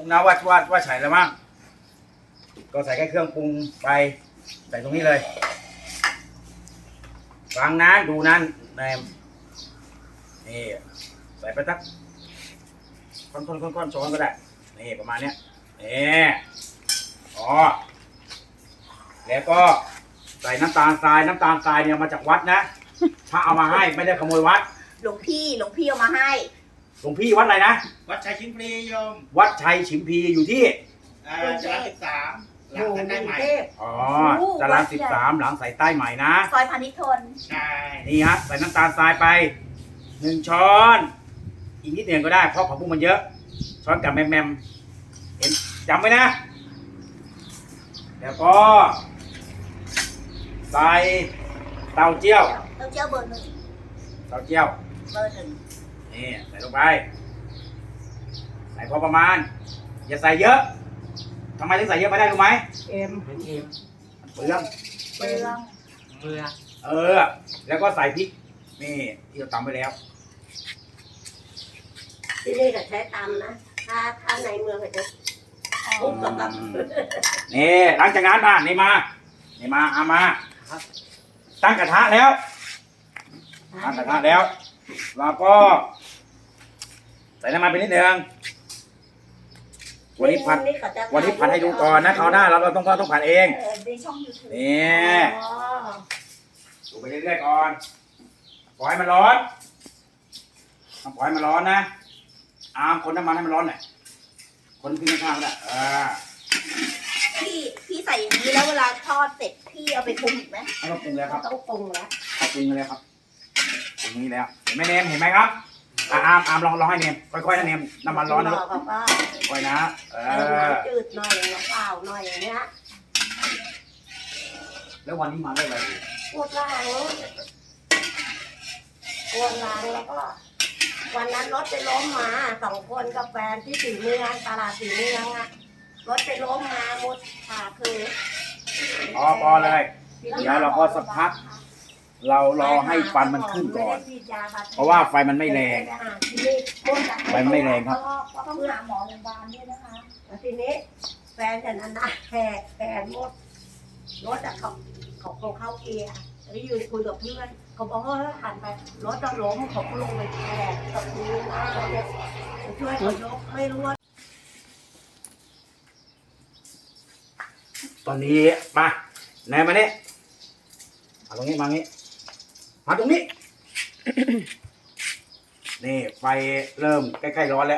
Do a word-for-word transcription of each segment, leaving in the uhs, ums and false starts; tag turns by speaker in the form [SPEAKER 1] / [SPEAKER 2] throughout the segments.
[SPEAKER 1] ผมนะว่าว่าว่าใส่แล้วมั้งก็ใส่แค่เครื่องปรุงไปใส่ตรงนี้เลยฟังนะดูนั้นแนมนี่ใส่ไปสักค่อนๆค่อนๆช้อนก็ได้นี่ประมาณเนี้ยนี่อ๋อแล้วก็ใส่น้ำตาลทรายน้ำตาลทรายเนี่ยมาจากวัดนะพระเอามาให้ไม่ได้ขโมยวัด
[SPEAKER 2] หลวงพี่หลวงพี่เอามาให้
[SPEAKER 1] หลวงพี่วัดอะไรนะ
[SPEAKER 3] วัดชัยชิมพลีโยม
[SPEAKER 1] วัดชัยฉิมพีอยู่ที่
[SPEAKER 3] จรัญสิบสามหลังสายใต้ใหม่
[SPEAKER 1] อ๋อจรัญสิบสามหลังสายใต้ใหม่นะ
[SPEAKER 2] ซอยพานิชย์ทน
[SPEAKER 3] ใช่
[SPEAKER 1] นี่ฮะใส่น้ำตาลทรายไปหนึ่งช้อนอีกนิดเดียวก็ได้เพราะผักบุ้งมันเยอะช้อนกับแมมแมมเห็นจำไว้นะแล้วก็ใส่เต้าเจี้ยว
[SPEAKER 2] เต้าเจี้ยวเบอร์หนึ่ง
[SPEAKER 1] เต้าเจี้ยว
[SPEAKER 2] เบอร์หนึ่ง
[SPEAKER 1] นี่ใส่ลงไปใส่พอประมาณอย่าใส่เยอะทำไมถึงใส่เยอะไม่ได้รู้ไหม
[SPEAKER 3] เอ็มเป็นเอ็ม
[SPEAKER 1] เปลือง
[SPEAKER 2] เปลือง
[SPEAKER 3] เปลือง
[SPEAKER 1] เออแล้วก็ใส่พริกนี่ที่เราตำไปแล้ว
[SPEAKER 4] ที่นี่ก็ใช้ตำนะถ้าถ้าในเมืองก็จะทุบกับตำ
[SPEAKER 1] นี่หลังจากนั้นมานี่มานี่มาเอามาตั้งกระทะแล้วตั้งกระทะแล้วเราก็ใส่น้ำมันไปนิดนึงวันนี้ผัดวันนี้ผัดให้ดูก่อนนะคราวหน้าเราเราต้องต้องผัดเองนี่ดูไปเรื่อยๆก่อนปล่อยมันร้อนต้องปล่อยมันร้อนนะอามคนน้ำมันให้มันร้อนหน่อยคนขึ้นข้างๆก็ได้เออ
[SPEAKER 2] พี่พี่ใส่อย่างนี้แล้วเวลาทอดเสร็จพี่เอาไปปรุงอีกไหม
[SPEAKER 1] ไม่ต้องปรุงแล้วครับ
[SPEAKER 4] ต้องปรุงแล้ว
[SPEAKER 1] ปรุงแล้วครับปรุงนี้แล้วเห็นไหมเนมเห็นไหมครับอามอามลองลองให้เนมค่อยๆนะเนมน้ำมันร้อนนะลูกค่อยนะเออ
[SPEAKER 4] จืดหน่อยน้ำเปล่าหน่อยอย่างเงี้ย
[SPEAKER 1] แล้ววันนี้มาได้อะไร
[SPEAKER 4] ปวดหลังปวดหลังแล้วก็วันนั้นรถไปล้มมาสองคนกับแฟนที่สีเมืองตลาดสีเมืองอะรถไปล้มมาหมดขาคือ
[SPEAKER 1] พอพอเลยเดี๋ยวเราก็สักพักเรารอให้ฟันมันขึ้นก่อนเพราะว่าไฟมันไม่แรงไฟมันไม่แรงครับ
[SPEAKER 2] ต้องหาหมอโรงพยาบาลด้วยนะคะ
[SPEAKER 4] แล้วทีนี้แฟนฉันนั้นนะแหกแขนหมดรถอะเขาเขาเขาเข้าเกียร์แล้วยืนคุยกับเพื่อนเขาบอกว่าหันไปรถจะล้มเขาก็ลงไปแหกกับพื้นนะช่วยเขายกไม่รู้ว่า
[SPEAKER 1] ตอนนี้มาไหนมาเนี่ยมาตรงนี้มาตรงนี้มาตรงนี้ นี่ไฟเริ่มใกล้ๆร้อนแล้ว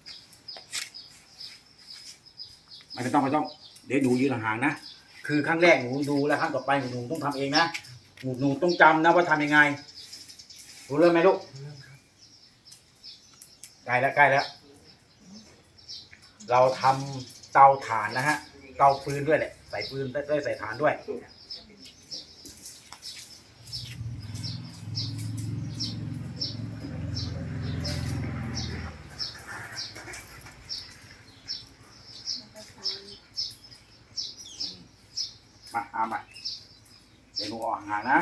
[SPEAKER 1] ไม่ต้องไม่ต้องเดี๋ยวดูยืนห่างๆนะคือครั้งแรกหนูดูแล้วครั้งต่อไปหนูต้องทำเองนะหนูหนูต้องจำนะว่าทำยังไงรู้เรื่องไหมลูกใกล้แล้วใกล้แล้วเราทำเตาถ่านนะฮะเตาฟืนด้วยแหละใส่ฟืนได้ใส่ถ่านด้วยมาเอามาเดี๋ยวหนูออกห่างนะ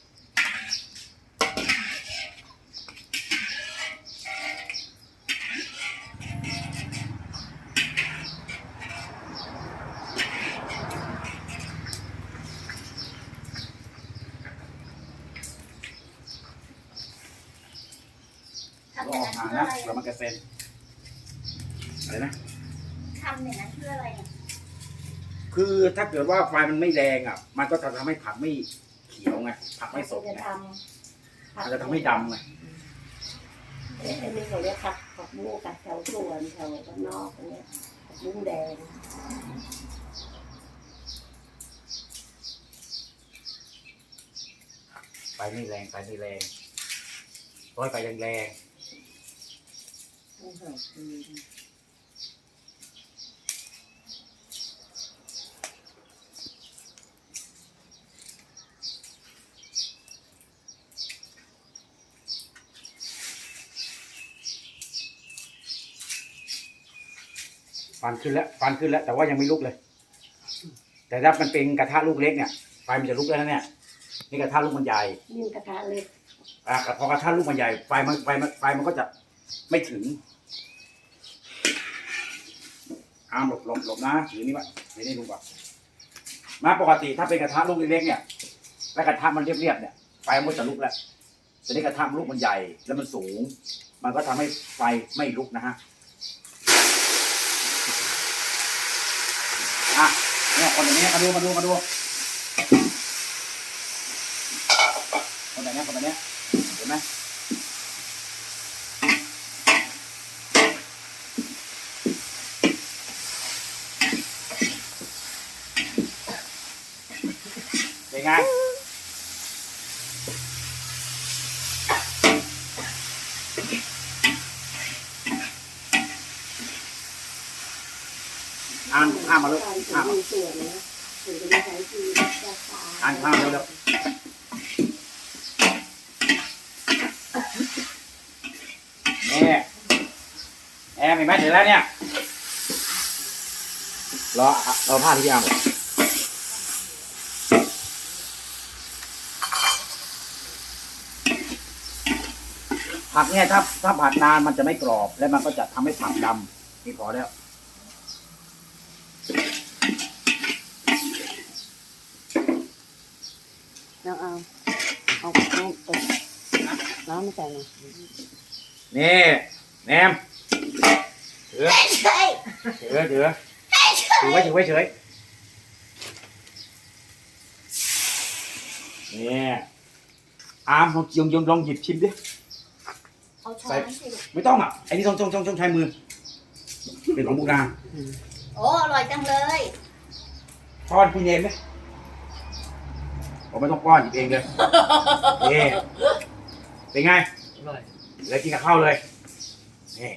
[SPEAKER 1] ออกห่างนะแล้วมันกระเซ็นอะไรนะ
[SPEAKER 2] ทำอย่างนั้นเพื่ออะไร
[SPEAKER 1] คือถ้าเกิดว่าไฟมันไม่แรงอ่ะมันก็จะทำให้ผักไม่เขียวไงผักไม่สดไงมันจะทำให้ดำไง
[SPEAKER 4] เอ๊ะนี่เขาเรียกผักผักบุ้งกับแถวสวนแถวบ้านนอกเนี่ยผักบุ้งแดง
[SPEAKER 1] ไฟไม่แรงไฟไม่แรงร้อยไฟแรงฟันขึ้นแล้วฟันขึ้นแล้วแต่ว่ายังไม่ลุกเลยแต่ถ้ามันเป็นกระทะลูกเล็กเนี่ยไฟมันจะลุกแล้วนะเนี่ยนี่กระทะลูกมันใหญ่
[SPEAKER 4] นี่กระทะเล็ก
[SPEAKER 1] อ่ะพอกระทะลูกมันใหญ่ไฟมันไฟมันไฟมันก็จะไม่ถึงอามหลบหลบหลบนะถือนี่วะถือนี่ดูก่อนมาปกติถ้าเป็นกระทะลูกเล็กๆเนี่ยแล้วกระทะมันเรียบๆเนี่ยไฟมันจะลุกแล้วแต่นี่กระทะลูกมันใหญ่แล้วมันสูง มันก็ทำให้ไฟไม่ลุกนะฮะอ่ะเนี่ยคนแบบนี้มาดูมาดูมาดูคนแบบนี้คนแบบนี้เห็นไหมเป็นไงอ่านข้ามมาเลยข้ามมาอ่านข้ามเร็วๆนี่แอมเห็นไหมเสร็จแล้วเนี่ยรอรอผ้าที่ยาวผักเนี่ยถ้าถ้าผัดนานมันจะไม่กรอบและมันก็จะทำให้ผักดำนี่พอแล้ว
[SPEAKER 4] แล้วเอาเอาน้ำตกน้ำมาใส่หน่อย
[SPEAKER 1] นี่แนมถือ
[SPEAKER 2] เฮ้ย
[SPEAKER 1] ถือถือถือไว้ถือไว้เฉยนี่อามลองยงยงลองหยิบชิมดิ
[SPEAKER 2] เอาช้อนสิ
[SPEAKER 1] ไม่ต้องอ่ะไอ้นี่ต้องต้องต้องต้องใช้มือเป็นของบูนา
[SPEAKER 2] โอ้อร่อยจังเลย
[SPEAKER 1] ป้อนพี่เนมไหมผมไม่ต้องป้อนหยิบเองเลยนี่เป็นไง
[SPEAKER 3] อร่อย
[SPEAKER 1] แล้วกินกับข้าวเลยนี่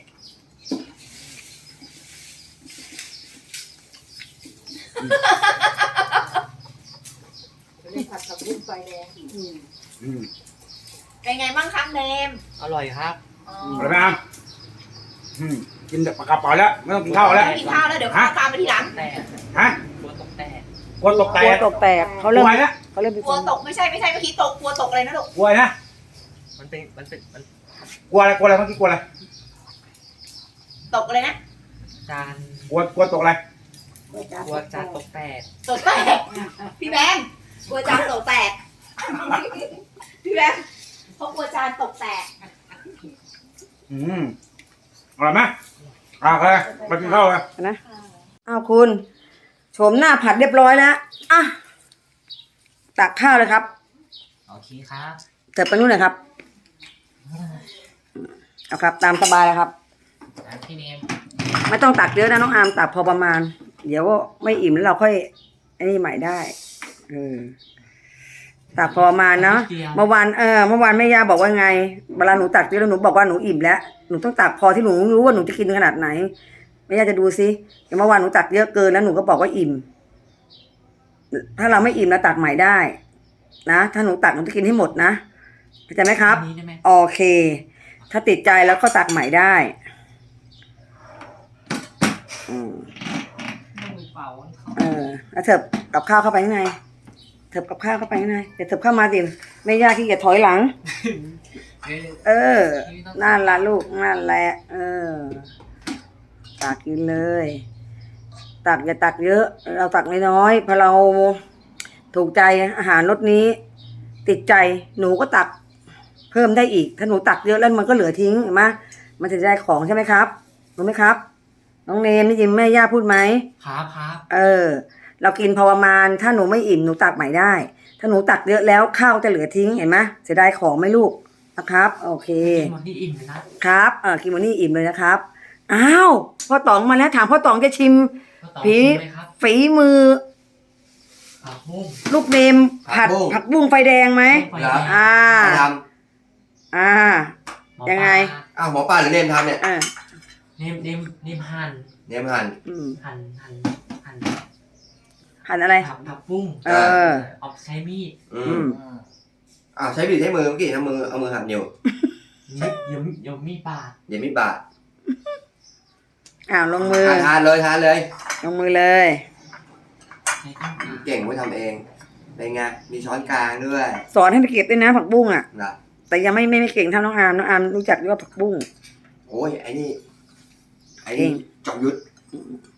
[SPEAKER 4] เล่นผัดกับบุ้งไฟแดง
[SPEAKER 1] อืม
[SPEAKER 2] เป็นไงบ้างครับเนม
[SPEAKER 3] อร่อยครับ
[SPEAKER 2] อ๋อ
[SPEAKER 1] อะไรไหมอามอืมกินแบบกระเป๋าแล้วไม่ต้องกินข้าวแล้ว
[SPEAKER 2] ไม่กินข้าวแล้วเดี๋ยวข้าวตามไปทีหลัง
[SPEAKER 3] แต่
[SPEAKER 1] ฮะ
[SPEAKER 3] ตัวตกแต่
[SPEAKER 1] กลัวตกแต
[SPEAKER 4] กลัว
[SPEAKER 1] ก
[SPEAKER 4] ตกแตกเขา
[SPEAKER 1] ก
[SPEAKER 4] เริ่
[SPEAKER 1] ลั
[SPEAKER 4] ม
[SPEAKER 1] วนะ
[SPEAKER 4] เขาเริ่มเป็น
[SPEAKER 2] ก
[SPEAKER 4] ค
[SPEAKER 2] ลัวน ตกไม่ใช่ไม่ใช่เมื่อกี้ตกกลัวตกอะไรนะลูก
[SPEAKER 1] กลัวนะ
[SPEAKER 3] มันเป็นมันเป็นมัน
[SPEAKER 1] กลัวอะไรกลัวอะไรเมื่อกี้กลัวอะไร
[SPEAKER 2] ตกอะไรนะ
[SPEAKER 3] จาน
[SPEAKER 1] กลัวกลัวตกอะไร
[SPEAKER 3] กลัวจานตกแตก
[SPEAKER 2] ตกแตกพี่แบงค์กลัวจานตกแตกพี่แบงค์เขากลัวจานตกแตก
[SPEAKER 1] อืมอร่อยไหมอ่าโอเคมากินข้าวเลย
[SPEAKER 4] นะอ้าวคุณโฉมหน้าผัดเรียบร้อยแล้วอ่ะตักข้าวเลยครับ
[SPEAKER 3] โอเคครับ
[SPEAKER 4] เสิร์ฟไปนู่นเลยครับเอาครับ ตามสบายเลยครับ
[SPEAKER 3] แล้วพี่เนม
[SPEAKER 4] ไม่ต้องตักเยอะนะน้องอามตักพอประมาณ เดี๋ยวไม่อิ่มแล้วเราค่อยไอ้นี่ใหม่ได้เออตักพอประมาณเนาะเมื่อวานเออเมื่อวานแม่ย่าบอกว่าไงเวลาหนูตักเยอะแล้วหนูบอกว่าหนูอิ่มแล้วหนูต้องตักพอที่หนูรู้ว่าหนูจะกินขนาดไหนแม่ย่าจะดูซิเมื่อวานหนูตักเยอะเกินแล้วหนูก็บอกว่าอิ่ม ถ้าเราไม่อิ่มเราตักใหม่ได้นะถ้าหนูตักหนูจะกินให้หมดนะเข้าใจไหมครับ
[SPEAKER 3] อันนี้ได้ไหม
[SPEAKER 4] โอเค ถ้าติดใจแล้วก็ตักใหม่ได้อืม
[SPEAKER 3] มือเปล่า
[SPEAKER 4] เออแล้วเถิบกับข้าวเข้าไปข้างในเถิบกับข้าวเข้าไปข้างในเดี๋ยวเถิบเข้ามาดิไม่ยากที่จะถอยหลัง เออนั่นละลูกนั่นแหละเออตักกินเลย ตักอย่าตักเยอะ เราตักน้อยๆพอเราถูกใจอาหารรสนี้ ติดใจหนูก็ตักเพิ่มได้อีก ถ้าหนูตักเยอะแล้วมันก็เหลือทิ้งเห็นไหมมันจะได้ของใช่ไหมครับรู้ไหมครับ น้องเนมได้ยินแม่ย่าพูดไหม
[SPEAKER 3] ครับครับ
[SPEAKER 4] เออ เรากินพอประมาณถ้าหนูไม่อิ่มหนูตักใหม่ได้ ถ้าหนูตักเยอะแล้วข้าวจะเหลือทิ้งเห็นไหมเสียดายของไหมลูกนะครับ โอเค
[SPEAKER 3] กินหมดที่อิ่มเลยนะครับ
[SPEAKER 4] เออกินวันนี้อิ่มเลยนะครับอ้าวพ่อต๋องมาแล้วถามพ่อต๋องจะชิม
[SPEAKER 3] ก็ต่อ
[SPEAKER 4] ผี
[SPEAKER 3] ชิมเลยครับ
[SPEAKER 4] ฝีมือ
[SPEAKER 3] ผักบุ้ง
[SPEAKER 4] ลูกเนมผัดผักบุ้งไฟแดงไหม
[SPEAKER 3] ไฟแดง
[SPEAKER 4] อ่า
[SPEAKER 5] ใครท
[SPEAKER 4] อ่า
[SPEAKER 3] หมอ
[SPEAKER 4] ยังไง
[SPEAKER 3] ปลา
[SPEAKER 5] ำอ้าวหมอป้าหรือเนมทำเนี่ย
[SPEAKER 4] อ่า
[SPEAKER 3] เนมเนมเนมหั่น
[SPEAKER 5] เนมหั่น
[SPEAKER 4] อืม
[SPEAKER 3] หั่นหั่นหั่น
[SPEAKER 4] หั่นอะไร
[SPEAKER 3] ผักผักบุ้ง
[SPEAKER 4] เออ
[SPEAKER 3] เอาใช้มีด
[SPEAKER 5] อื
[SPEAKER 4] อื
[SPEAKER 5] ม
[SPEAKER 4] ม
[SPEAKER 5] อ้าวใช้บีดใช้มือเมื่อกี้ทำมือเอามือหั่นอยู่
[SPEAKER 3] นี่เดี๋ยวเดี๋ยวมีดบาด
[SPEAKER 5] เดี๋ยวมีดบาด
[SPEAKER 4] อ้าวลงมือ
[SPEAKER 5] อ่ะทานเลยทานเลย
[SPEAKER 4] ลงมือเลย
[SPEAKER 3] ใช้ต้นขา
[SPEAKER 5] เก่งไว้ทำเองเป็นไงมีช้อนกลางด้วย
[SPEAKER 4] สอนให้ไปเก็บด้วยนะผักบุ้งอ่ะ
[SPEAKER 5] นะ
[SPEAKER 4] แต่ยังไม่ไม่ไม่เก่งเท่าน้องอามน้องอามรู้จักด้วยว่าผักบุ้ง
[SPEAKER 5] โอ้ยไอ้นี่ไอ้นี่
[SPEAKER 4] เก่ง
[SPEAKER 5] จอมยุทธ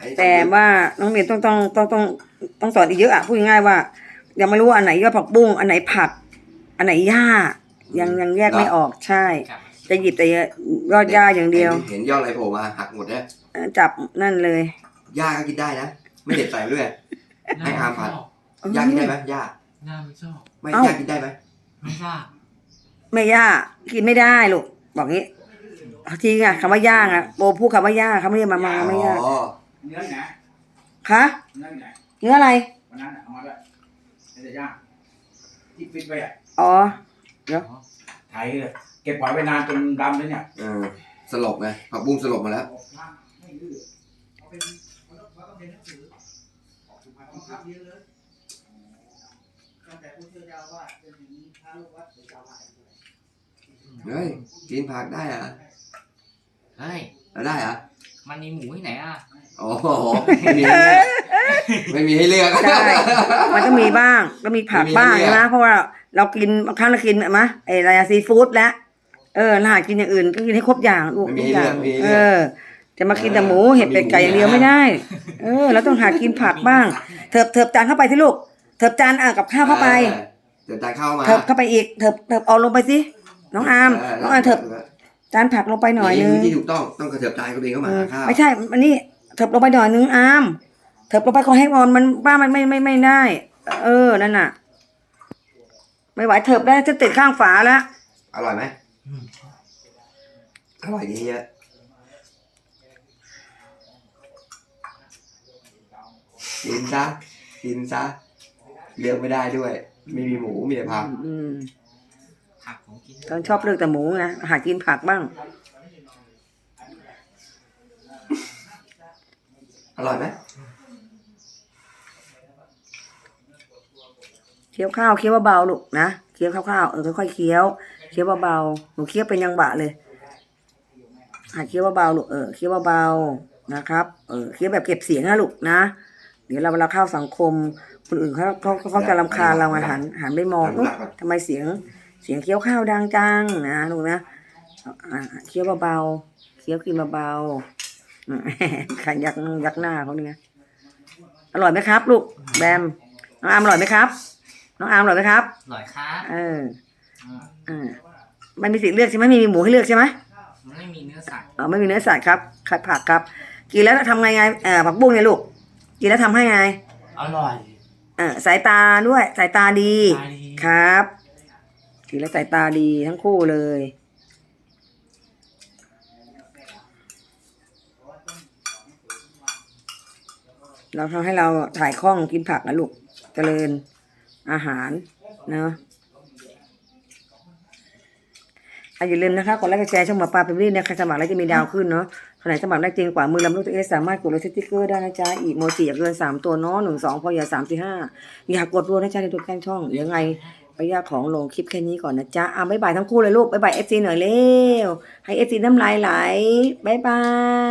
[SPEAKER 5] อันนี้
[SPEAKER 6] แต่ว่าน้องเรียนต้องต้องต้องต้องต้องสอนอีกเยอะอะพูดง่ายๆว่า ยังไม่รู้ว่าอันไหนยอดผักบุ้งอันไหนผัก อันไหนหญ้ายังยังแยกไม่ออกใช่
[SPEAKER 3] ครับ
[SPEAKER 6] จะหยิบแต่ยอดหญ้าอย่างเดียว
[SPEAKER 5] เห็นยอดอะไรโผล่มาหักหมดเนี่ย
[SPEAKER 6] จับนั่นเลย
[SPEAKER 5] หญ้าก็กินได้นะ ไม่เด็ดใส่ด้วย ให้อาร์มผัด
[SPEAKER 3] ชอบ
[SPEAKER 5] หญ้ากินได้ไหมหญ้า
[SPEAKER 3] หน้าไม่ชอบ
[SPEAKER 5] ไม่
[SPEAKER 6] เอ้า
[SPEAKER 5] หญ้ากินได้ไหม
[SPEAKER 3] ไม่ทราบ
[SPEAKER 6] ไม่หญ้ากินไม่ได้ลูกบอกงี้จริงอะคำว่าย่างอะโบพูดคำว่าย่าเขาไม่ได้มามาไม่ย่า
[SPEAKER 5] อ๋อ
[SPEAKER 1] เนื้อไหน
[SPEAKER 6] คะ
[SPEAKER 1] เนื้อไหน
[SPEAKER 6] เนื้ออะไร
[SPEAKER 1] วันนั้นน่ะเอามาด้วยไม่ได้ย่างที่ฟิตไว้อะ
[SPEAKER 6] อ๋อ
[SPEAKER 1] ไถเลยเก็บไว้ไว้นานจนดำเลยเนี่ย
[SPEAKER 5] เออสลบไงผักบุ้งสลบมาแล้ว
[SPEAKER 1] ไม่ดื้อเอาเป็นมันต้องมันต้องเป็นหนังสือออกสุภาพบังคับเยอะเลย
[SPEAKER 2] ตั้งแต่ผู้ช่วยเจ้าอาว่าสจนถึงพระลูกวัดหรือเจ้าอาวาส
[SPEAKER 5] เฮ้ยกินผักได้เหรอ
[SPEAKER 3] เฮ้ย
[SPEAKER 5] เอาได้เหรอ
[SPEAKER 3] มันมีหมูที่ไหนอ่ะ
[SPEAKER 5] โอ้โหไม่มีให้เลือกไม่มีให้เลือก
[SPEAKER 6] ใช่ มันก็มีบ้างก็มีผักบ้าง
[SPEAKER 5] ไม่มีเนี่ย
[SPEAKER 6] นะเพราะว่าเรากินบางครั้งเรากินมะไอ้อะไรอะซีฟู้ดแล้วเออเราหากินอย่างอื่นก็กินให้ครบอย่างลูก
[SPEAKER 5] ไม่มี
[SPEAKER 6] ทุก
[SPEAKER 5] ให้
[SPEAKER 6] อ
[SPEAKER 5] เลื
[SPEAKER 6] ย่า
[SPEAKER 5] อก
[SPEAKER 6] ง
[SPEAKER 5] ไม่มีให้
[SPEAKER 6] เอ
[SPEAKER 5] เลือก
[SPEAKER 6] อ จะมากินแต่หมูเห็ดเป็ดไก่อย่างเดียว
[SPEAKER 5] มีหมู
[SPEAKER 6] ไม่ได้ เออเราต้องหากินผักบ้าง เถิบเถิบจานเข้าไปที่ลูกเถิบจานอ่ะกับข้าวเข้าไป
[SPEAKER 5] ออเดี๋ยวจานเข้ามา
[SPEAKER 6] เถิบเข้าไปอีกเถิบเถิบเอาลงไปสิน้องอามน้องอามเถิบจานผักลงไปหน่อยนึง
[SPEAKER 5] ที่ถูกต้องต้องกระเถิบจานคนเองเข้ามา
[SPEAKER 6] เออ
[SPEAKER 5] หาข้าว
[SPEAKER 6] ไม่ใช่อันนี้เถิบลงไปหน่อยนึงอามเถิบลงไปขอให้มอนมันบ้ามันไม่ไม่ไม่ได้ เออนั่นน่ะ ไม่ไหวเถิบได้จะติดข้างฝาแล้ว
[SPEAKER 5] อร่อยไหม
[SPEAKER 3] อืม
[SPEAKER 5] อร่อยดีเยอะกินซะกินซะเลือกไม่ได้ด้วยไม่มีหมูมีแต่ผัก
[SPEAKER 6] อืม
[SPEAKER 3] ผักของกิน
[SPEAKER 6] ตอนชอบเลือกแต่หมูนะหากินผักบ้าง
[SPEAKER 5] อร่อยไหม
[SPEAKER 6] เคี้ยวข้าวเคี้ยวเบาๆลูกนะเคี้ยวข้าวๆเออค่อยๆเคี้ยวเคี้ยวเบาๆหนูเคี้ยวเป็นยังบะเลยหาเคี้ยวเบาๆลูกเออเคี้ยวเบาๆนะครับเออเคี้ยวแบบเก็บเสียงนะลูกนะเดี๋ยวเราเวลาเข้าสังคมคนอื่นเขาเขาเขาจะรำคาญเราไงหันหันไปมองเอ๊ะทำไมเสียงเสียงเคี้ยวข้าวดังจังนะลูกนะอ่าเคี้ยวเบาๆเคี้ยวกินเบาๆอืม ขันยักยักหน้าเขาเนี่ยอร่อยไหมครับ ลูกแบมน้องอามอร่อยไหมครับ น้องอามอร่อยไหมครับ
[SPEAKER 3] อร่อยครับ
[SPEAKER 6] เออ
[SPEAKER 3] อ่า
[SPEAKER 6] อ่ามันมีสิทธิ์เลือกใช่ไหมมีหมูให้เลือกใช่ไหม
[SPEAKER 3] มันไม่มีเนื้อสัตว์
[SPEAKER 6] อ๋อไม่มีเนื้อสัตว์ครับขัดผักครับ กินแล้วทำไงไงเออผักบุ้งเนี่ยลูก กินแล้วทำให้ไง
[SPEAKER 3] อร่อย
[SPEAKER 6] เออสายตาด้วย สายตาดี
[SPEAKER 3] ตาดี
[SPEAKER 6] ครับ กินแล้วสายตาดีทั้งคู่เลย เราทำให้เราถ่ายคล่องกินผักนะลูก เจริญอาหารเนาะอ่ะอย่าลืมนะคะกดไลค์กดแชร์ช่องหมอปลาเป็นรีเนี่ยใครสมัครแล้วจะมีดาวขึ้นเนาะคนไหนสมัครได้จริงกว่ามือลำลูกตัวเอสสามารถกดเลยสติ๊กเกอร์ได้นะจ๊ะอีโมจิอย่าเกินสามตัวเนาะหนึ่งสองพออย่าสามสี่ห้าอยากกดรัวนะจ๊ะในตัวแกล้งช่องเดี๋ยวยังไงไปยากของลงคลิปแค่นี้ก่อนนะจ๊ะอ่ะบ๊ายบายทั้งคู่เลยลูกบ๊ายบายเอฟซีหน่อยเร็วให้เอฟซีน้ำลายไหลบ๊ายบาย